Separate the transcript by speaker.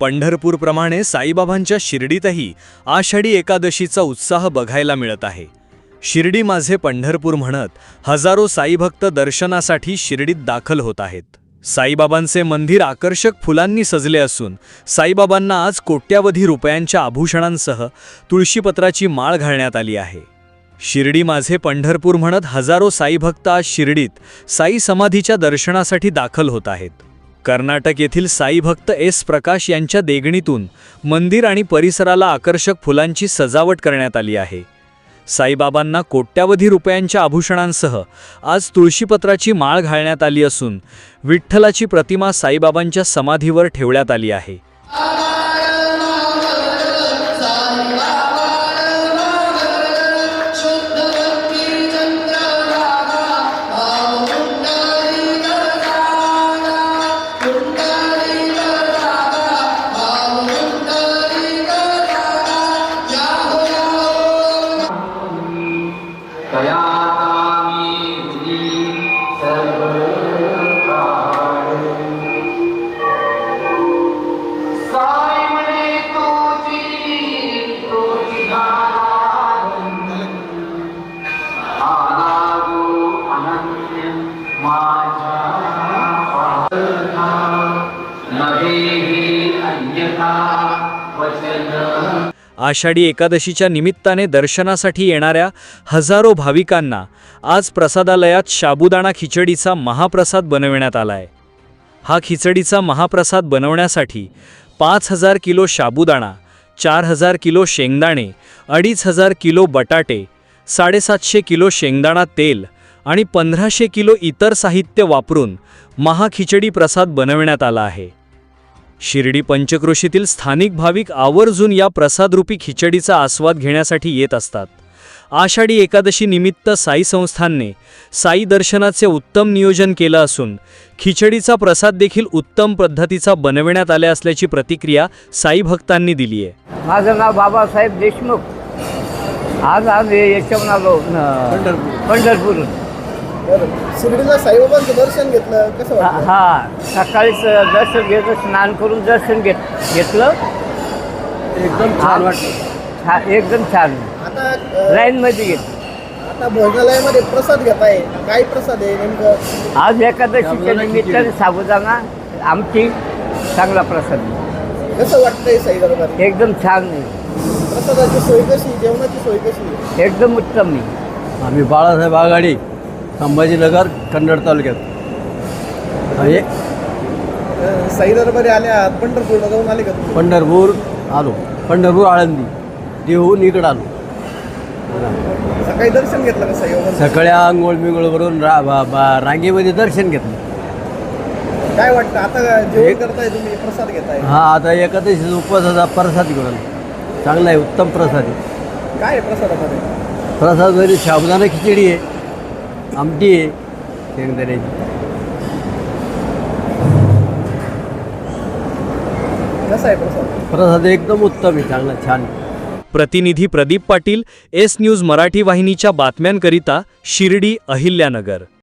Speaker 1: पंढरपूरप्रमाणे साईबाबांच्या शिर्डीतही आषाढी एकादशीचा उत्साह बघायला मिळत आहे। शिर्डी माझे पंढरपूर म्हणत हजारो साईभक्त दर्शनासाठी शिर्डीत दाखल होत आहेत। साईबाबांचे मंदिर आकर्षक फुलांनी सजले असून साईबाबांना आज कोट्यावधी रुपयांच्या आभूषणांसह तुळशीपत्राची माळ घालण्यात आली आहे। शिर्डी माझे पंढरपूर म्हणत हजारो साईभक्त आज शिर्डीत साई समाधीच्या दर्शनासाठी दाखल होत आहेत। कर्नाटक येथील साईभक्त एस प्रकाश यांच्या देगणीतून मंदिर आणि परिसराला आकर्षक फुलांची सजावट करण्यात आली आहे। साईबाबांना कोट्यावधी रुपयांच्या आभूषणांसह आज तुळशीपत्राची माळ घालण्यात आली असून विठ्ठलाची प्रतिमा साईबाबांच्या समाधीवर ठेवण्यात आली आहे। आषाढी एकादशीच्या निमित्ताने दर्शनासाठी येणाऱ्या हजारो भाविकांना आज प्रसादालयात साबुदाणा खिचडीचा महाप्रसाद बनविण्यात आलाय। हा खिचडीचा महाप्रसाद बनवण्यासाठी 5000 किलो साबुदाणा, 4000 किलो शेंगदाणे, 2500 किलो बटाटे, 750 किलो शेंगदाणा तेल आणि 1500 किलो इतर साहित्य वापरून महाखिचडी प्रसाद बनविण्यात आला आहे। शिर्डी पंचक्रोशीतील स्थानिक भाविक आवर्जून या प्रसादरूपी खिचडीचा आस्वाद घेण्यासाठी येत असतात। आषाढी एकादशी निमित्त साई संस्थानने साई दर्शनाचे उत्तम नियोजन केलं असून खिचडीचा प्रसाद देखील उत्तम पद्धतीचा बनविण्यात आला असल्याची प्रतिक्रिया साई भक्तांनी दिली आहे।
Speaker 2: माझं नाव बाबासाहेब देशमुख। आज याच्यावरून आलो पंढरपूर।
Speaker 3: शिर्डीला साईबाबांचं दर्शन घेतलं, कसं वाटलं?
Speaker 2: सकाळीच दर्शन घेतलं, स्नान करून दर्शन घेतलं,
Speaker 3: एकदम छान वाटलं।
Speaker 2: एकदम छान।
Speaker 3: आता
Speaker 2: लाईनमध्ये घेतलं।
Speaker 3: आता भोजनालयामध्ये प्रसाद घेत आहे, काय प्रसाद आहे नेमकं?
Speaker 2: आज एकादशीच्या निमित्ताने साबुदाणा आमटी चांगला प्रसाद।
Speaker 3: कसं वाटतंय साई दरबार?
Speaker 2: एकदम छान आहे।
Speaker 3: प्रसादाची सोय कशी, जेवणाची सोय कशी?
Speaker 2: एकदम उत्तम आहे।
Speaker 4: आम्ही बाळासाहेब आघाडी, संभाजीनगर, कन्नड तालुक्यात आहे।
Speaker 3: साई दरबारी आल्या, पंढरपूरला जाऊन आले का तुम्ही?
Speaker 4: पंढरपूर आलो, पंढरपूर आळंदी देहून इकडं आलो।
Speaker 3: सकाळी दर्शन घेतलं का साईबाबांचं?
Speaker 4: सकाळी आंघोळ बिंगोळ करून रांगेमध्ये दर्शन घेतलं।
Speaker 3: काय वाटतं आता जेवण करताय तुम्ही, प्रसाद घेताय?
Speaker 4: आता एकादशीचा उपवासाचा प्रसाद घेऊन आलो। चांगला आहे, उत्तम प्रसाद आहे।
Speaker 3: काय आहे प्रसादामध्ये?
Speaker 4: प्रसादामध्ये साबुदाणा खिचडी आहे, आमटी आहे शेंगदाण्याची।
Speaker 3: कसा आहे प्रसाद?
Speaker 4: प्रसाद एकदम उत्तम आहे, चांगला छान।
Speaker 1: प्रतिनिधी प्रदीप पाटील, एस न्यूज मराठी वाहिनीच्या बातम्यांकरिता शिर्डी, अहिल्यानगर।